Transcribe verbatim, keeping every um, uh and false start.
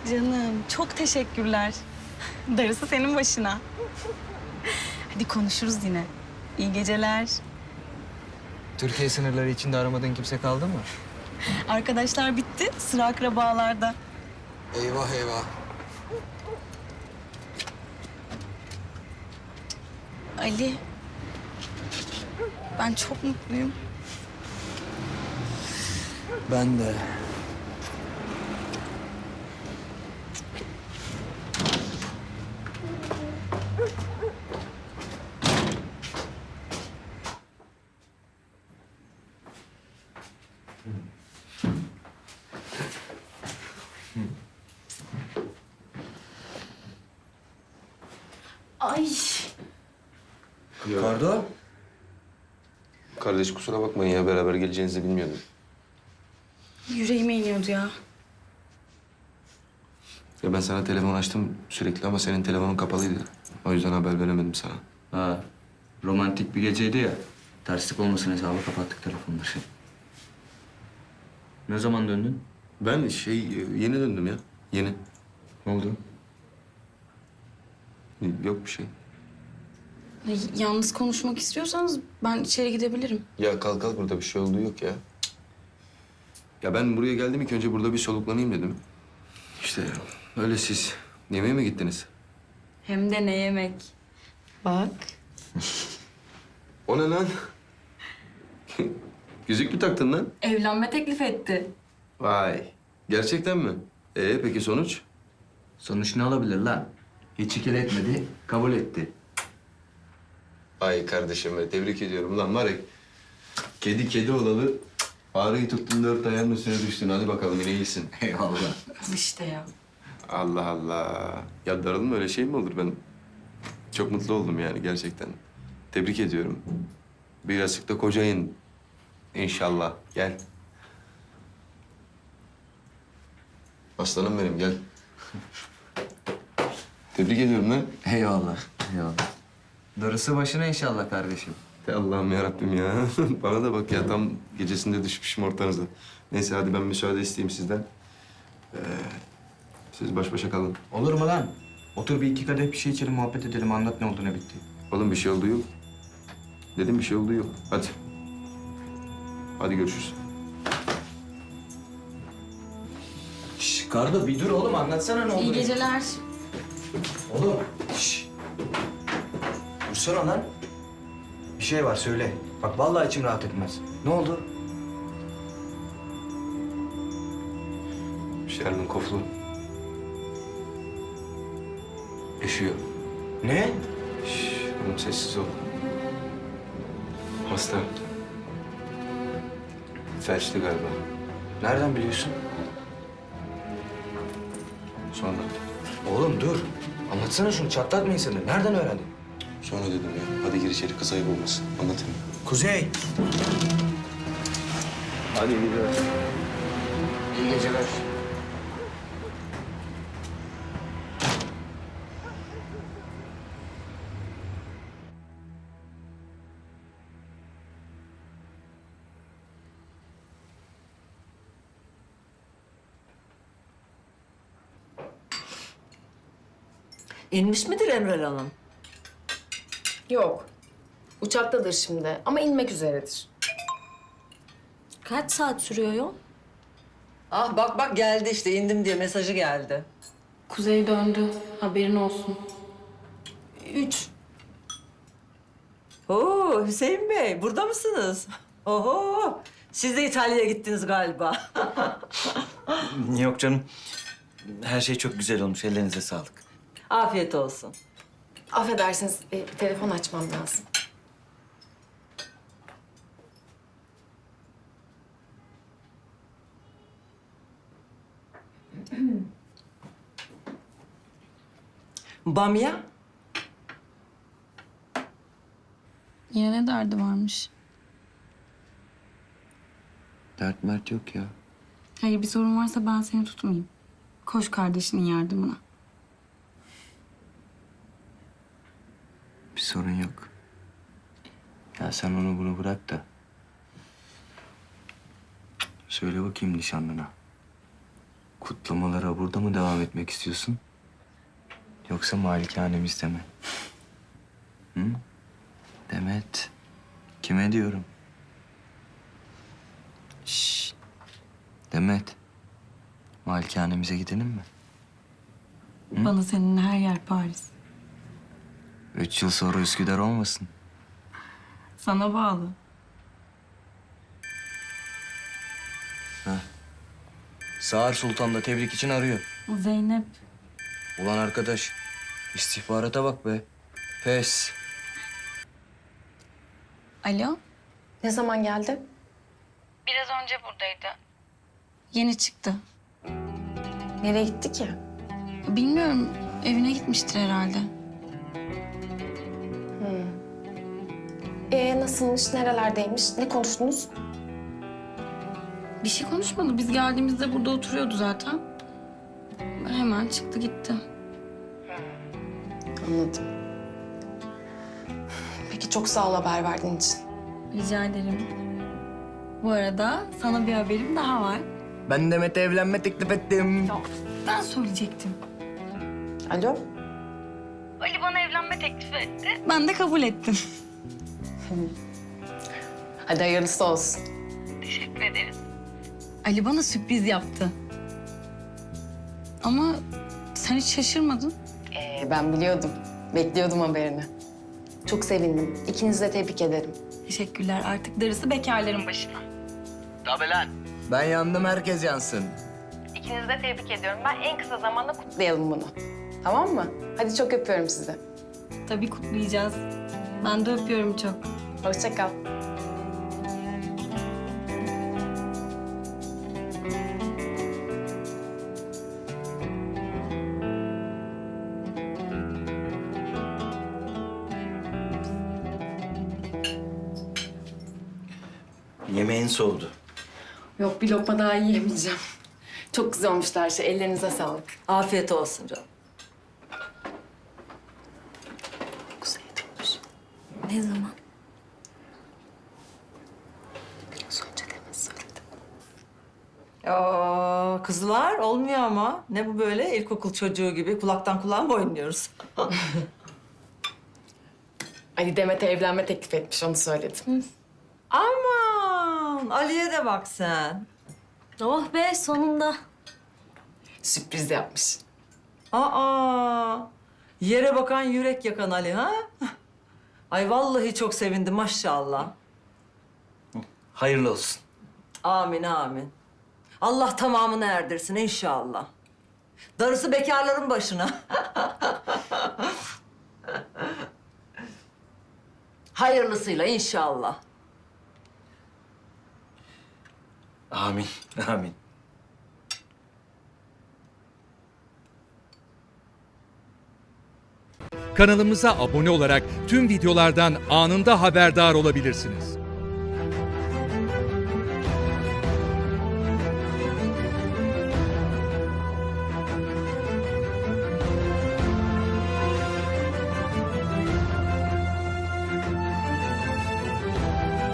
Canım çok teşekkürler. Darısı senin başına. Hadi konuşuruz yine. İyi geceler. Türkiye sınırları içinde aramadığın kimse kaldı mı? Arkadaşlar bitti. Sıra akrabalarda. Eyvah eyvah. Ali. Ben çok mutluyum. Ben de. Ay. Kardo? Kardeş kusura bakmayın ya beraber geleceğinizi bilmiyordum. Yüreğime iniyordu ya. Ya ben sana telefon açtım sürekli ama senin telefonun kapalıydı. O yüzden haber veremedim sana. Ha, romantik bir geceydi ya. Terslik olmasın hesabı kapattık telefonları. Ne zaman döndün? Ben şey yeni döndüm ya. Yeni. Ne oldu? Yok bir şey. Ay, Yalnız konuşmak istiyorsanız ben içeri gidebilirim. Ya kalk kalk burada bir şey olduğu yok ya. Ya ben buraya geldim ilk önce burada bir soluklanayım dedim. İşte öyle siz yemeğe mi gittiniz? Hem de ne yemek. Bak. O ne lan? Yüzük mü taktın lan? Evlenme teklif etti. Vay. Gerçekten mi? Ee peki sonuç? Sonuç ne olabilir lan? Hiç ikile etmedi, kabul etti. Ay kardeşim be, tebrik ediyorum lan Marek. Kedi kedi olalı. Fareyi tuttun dört ayağının üstüne düştün. Hadi bakalım yine iyisin. Eyvallah. İşte ya. Allah Allah. Ya darılma öyle şey mi olur? Ben çok mutlu oldum yani gerçekten. Tebrik ediyorum. Birazcık da kocayın. İnşallah. Gel. Aslanım benim gel. Tebrik ediyorum lan. Eyvallah, eyvallah. Darısı başına inşallah kardeşim. Ey Allah'ım yarabbim ya. Bana da bak ya tam gecesinde düşmüşüm ortanıza. Neyse hadi ben müsaade isteyeyim sizden. Ee, siz baş başa kalın. Olur mu lan? Otur bir iki kadeh bir şey içelim, muhabbet edelim. Anlat ne oldu, ne bitti. Oğlum bir şey olduğu yok. Dedim bir şey olduğu yok. Hadi. Hadi görüşürüz. Şş, Kardo bir dur oğlum, anlatsana ne oldu. İyi geceler. Oğlum, şş. Dursana lan. Bir şey var, söyle. Bak vallahi içim rahat etmez. Ne oldu? Şermin Koflu. Yaşıyor. Ne? Şş, oğlum sessiz ol. Hasta. Felçli galiba. Nereden biliyorsun? Sonra. Oğlum dur. Anlatsana şunu, çatlatma insanı. Nereden öğrendin? Sonra dedim ya. Hadi gir içeri kız ayıp olmasın. Anlatayım. Kuzey. Hadi iyi geceler. İyi geceler. İnmiş midir Emrel Hanım? Yok. Uçaktadır şimdi ama inmek üzeredir. Kaç saat sürüyor yol? Ah bak bak geldi işte indim diye mesajı geldi. Kuzey döndü. Haberin olsun. Üç. Oo Hüseyin Bey burada mısınız? Oho siz de İtalya'ya gittiniz galiba. Yok canım. Her şey çok güzel olmuş. Ellerinize sağlık. Afiyet olsun. Affedersiniz, e, bir telefon açmam lazım. Bamya? Yine ne derdi varmış? Dert mert yok ya. Hayır bir sorun varsa ben seni tutmayayım. Koş kardeşinin yardımına. Bir sorun yok. Ya sen onu bunu bırak da. Söyle bakayım nişanlına. Kutlamalara burada mı devam etmek istiyorsun? Yoksa malikanemizde mi? Hı? Demet, kime diyorum? Şşş. Demet, malikanemize gidelim mi? Bana senin her yer Paris. Üç yıl sonra Üsküdar olmasın? Sana bağlı. Sağır Sultan da tebrik için arıyor. Zeynep. Ulan arkadaş, istihbarata bak be. Pes. Alo. Ne zaman geldi? Biraz önce buradaydı. Yeni çıktı. Nereye gitti ki? Bilmiyorum, evine gitmiştir herhalde. Ee nasılmış, nerelerdeymiş, ne konuştunuz? Bir şey konuşmadı. Biz geldiğimizde burada oturuyordu zaten. Hemen çıktı gitti. Anladım. Peki çok sağ ol haber verdiğin için. Rica ederim. Bu arada sana bir haberim daha var. Ben Demet'e evlenme teklif ettim. Ben söyleyecektim. Alo? Ali bana evlenme teklif etti. Ben de kabul ettim. Hadi hayırlısı olsun. Teşekkür ederiz. Ali bana sürpriz yaptı. Ama sen hiç şaşırmadın. Ee, ben biliyordum. Bekliyordum haberini. Çok sevindim. İkinizi de tebrik ederim. Teşekkürler. Artık darısı bekarların başına. Tabii lan. Ben yandım, herkes yansın. İkinizi de tebrik ediyorum. Ben en kısa zamanda kutlayalım bunu. Tamam mı? Hadi çok öpüyorum sizi. Tabii kutlayacağız. Ben de öpüyorum çok. Hoşça kal. Yemeğin soğudu. Yok bir lokma daha yiyemeyeceğim. Çok güzel olmuştu her şey. Ellerinize sağlık. Afiyet olsun canım. Güzel olmuş. Ne zaman? Biraz önce demin söyledim. Aa, kızlar olmuyor ama. Ne bu böyle ilkokul çocuğu gibi kulaktan kulağa mı oynuyoruz? Ali Demet'e evlenme teklif etmiş, onu söyledim. Aman Ali'ye de bak sen. Oh be sonunda. Sürpriz yapmış. Aa, yere bakan yürek yakan Ali ha? Ay vallahi çok sevindim maşallah. Hayırlı olsun. Amin amin. Allah tamamını erdirsin inşallah. Darısı bekarların başına. Hayırlısıyla inşallah. Amin, amin. Kanalımıza abone olarak tüm videolardan anında haberdar olabilirsiniz.